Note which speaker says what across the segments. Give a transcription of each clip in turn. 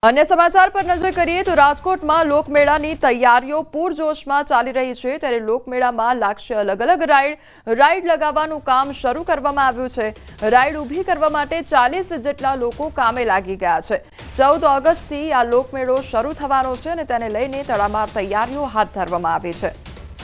Speaker 1: अन्य समाचार पर नजर करिए तो राजकोट में लोकमेळाની તૈયારીઓ પૂરજોશમાં ચાલી રહી છે ત્યારે લોકમેળામાં લાગશે અલગ અલગ રાઈડ લગાવવાનું કામ શરૂ કરવામાં આવ્યું છે। રાઈડ ઊભી કરવા માટે 40 જેટલા લોકો કામે લાગી ગયા છે। 14 ઓગસ્ટથી આ લોકમેળો શરૂ થવાનો છે અને તેને લઈને તડામાર તૈયારીઓ હાથ ધરવામાં આવી છે।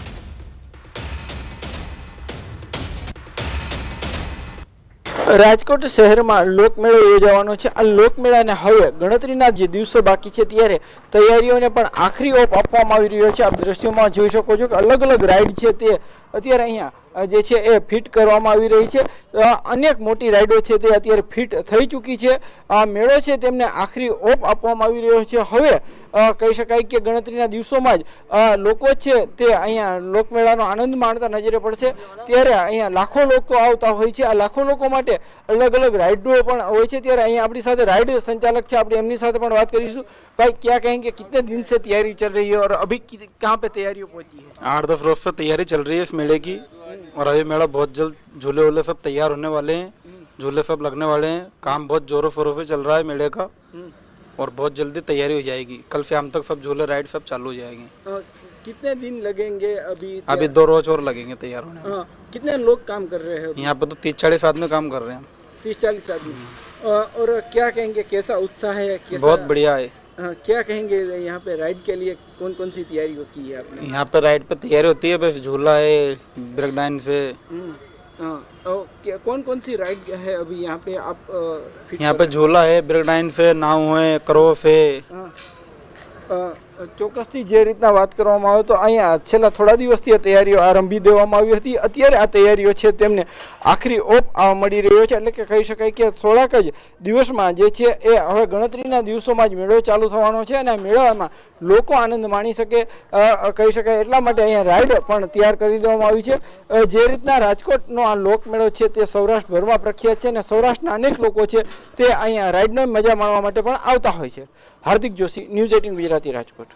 Speaker 2: રાજકોટ શહેરમાં લોકમેળો યોજાવાનો છે। આ લોકમેળાને હવે ગણતરીના જે દિવસો બાકી છે ત્યારે તૈયારીઓને પણ આખરી ઓપ આપવામાં આવી રહ્યો છે। આપ દ્રશ્યોમાં જોઈ શકો છો કે અલગ અલગ રાઈડ છે તે અત્યારે અહીંયા જે છે એ ફિટ કરવામાં આવી રહી છે। અનેક મોટી રાઈડો છે તે અત્યારે ફિટ થઈ ચૂકી છે। આ મેળો છે તેમને આખરી ઓપ આપવામાં આવી રહ્યો છે। હવે કહી શકાય કે ગણતરીના દિવસોમાં જ લોકો છે તે અહીંયા લોકમેળાનો આનંદ માણતા નજરે પડશે। ત્યારે અહીંયા લાખો લોકો આવતા હોય છે। આ લાખો લોકો માટે અલગ અલગ રાઈડો પણ હોય છે। ત્યારે અહીંયા આપણી સાથે રાઈડ संचालक છે, આપણે એમની સાથે પણ વાત કરીશું। भाई क्या कहेंगे, कितने दिन से तैयारी चल रही है और अभी कहाँ पे तैयारियों पहुंची है?
Speaker 3: 8-10 रोज से तैयारी चल रही है इस मेले की और अभी मेला बहुत जल्द झूले वूले सब तैयार होने वाले हैं, झूले सब लगने वाले हैं। काम बहुत जोरों शोरों से चल रहा है मेले का और बहुत जल्दी तैयारी हो जाएगी। कल शाम तक सब झूले राइड सब चालू हो जाएंगे।
Speaker 2: कितने दिन लगेंगे?
Speaker 3: अभी 2 रोज और लगेंगे तैयार होने में।
Speaker 2: कितने लोग काम कर रहे हैं
Speaker 3: यहाँ पे तो 30-40 आदमी काम कर रहे हैं।
Speaker 2: 30-40 आदमी। और क्या कहेंगे, कैसा उत्साह है?
Speaker 3: बहुत बढ़िया है।
Speaker 2: क्या कहेंगे यहाँ पे राइड के लिए कौन कौन सी तैयारी होती है आपने?
Speaker 3: यहाँ पे राइड पे तैयारी होती है, बस झूला है, ब्रेक डांस है।
Speaker 2: कौन कौन सी राइड है अभी यहाँ पे आप
Speaker 3: यहाँ पे झूला है, ब्रेक डांस है, नाव है, क्रॉस है।
Speaker 2: ચોક્કસથી જે રીતના વાત કરવામાં આવે તો અહીંયા છેલ્લા થોડા દિવસથી આ તૈયારીઓ આરંભી દેવામાં આવી હતી। અત્યારે આ તૈયારીઓ છે તેમને આખરી ઓપ મળી રહ્યો છે। એટલે કે કહી શકાય કે થોડાક જ દિવસમાં જે છે એ હવે ગણતરીના દિવસોમાં જ મેળો ચાલુ થવાનો છે અને આ મેળામાં લોકો આનંદ માણી શકે કહી શકાય એટલા માટે અહીંયા રાઈડ પણ તૈયાર કરી દેવામાં આવી છે। જે રીતના રાજકોટનો આ લોકમેળો છે તે સૌરાષ્ટ્રભરમાં પ્રખ્યાત છે અને સૌરાષ્ટ્રના અનેક લોકો છે તે અહીંયા રાઈડનો મજા માણવા માટે પણ આવતા હોય છે। હાર્દિક જોશી, ન્યૂઝ 18 ગુજરાતી, રાજકોટ।